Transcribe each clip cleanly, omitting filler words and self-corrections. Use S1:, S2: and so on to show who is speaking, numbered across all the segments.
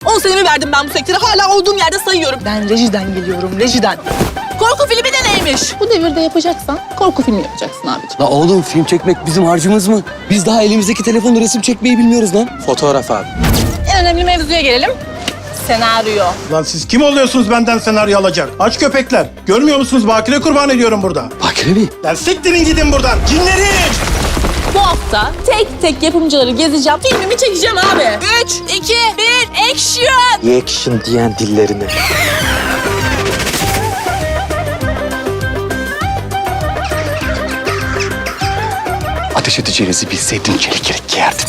S1: 10 senemi verdim ben bu sektöre. Hala olduğum yerde sayıyorum. Ben rejiden geliyorum, rejiden. Korku filmi de neymiş? Bu devirde yapacaksan korku filmi yapacaksın abiciğim.
S2: La oğlum film çekmek bizim harcımız mı? Biz daha elimizdeki telefonla resim çekmeyi bilmiyoruz lan.
S3: Fotoğraf abi.
S1: En önemli mevzuya gelelim. Senaryo.
S4: Lan siz kim oluyorsunuz benden senaryo alacak? Aç köpekler. Görmüyor musunuz? Bakire kurban ediyorum burada.
S2: Bakire mi?
S4: Lan siktirin gidin buradan. Cinleri!
S1: Bu hafta tek tek yapımcıları gezeceğim. Filmimi çekeceğim abi. 3, 2, 1, action!
S3: Action diyen dillerini.
S2: Ateş edeceğinizi bilseydim çelik giyerdim.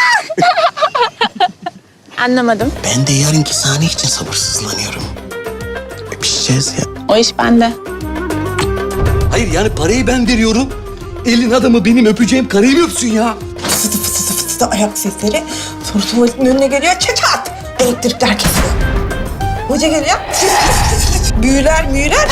S1: Anlamadım.
S5: Ben de yarınki sahne için sabırsızlanıyorum. Öpüşeceğiz ya.
S1: O iş bende.
S2: Hayır yani parayı ben veriyorum. Elin adamı benim öpeceğim karıyı mı öpsün ya?
S6: Fısıdı fısıdı fısıdı ayak sesleri. Sonra tuvaletin önüne geliyor çat. Elektrikler kesiyor. Hoca geliyor. Büyüler müyüler.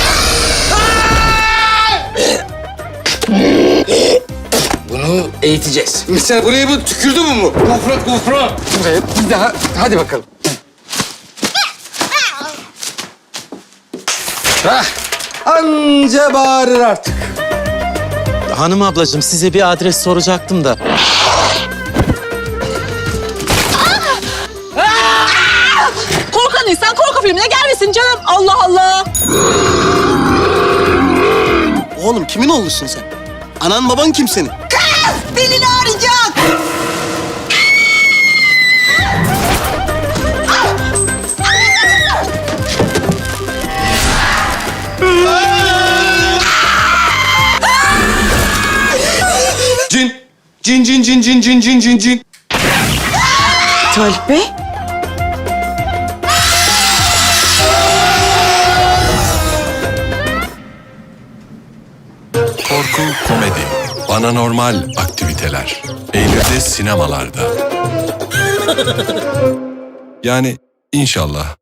S2: Bunu eğiteceğiz. Mesela buraya bu tükürdü mü bu? Gofret. Evet bir daha hadi bakalım. Hah, anca bağırır artık.
S3: Hanım ablacığım size bir adres soracaktım da.
S1: Korkan insan korku filmine gelmesin canım. Allah Allah.
S5: Oğlum kimin oğlusun sen? Anan baban kim senin?
S6: Belini ağrıyacak.
S2: Cin.
S6: Talip Bey.
S7: Korku, komedi, bana normal aktiviteler. Eylül'de sinemalarda. Yani inşallah.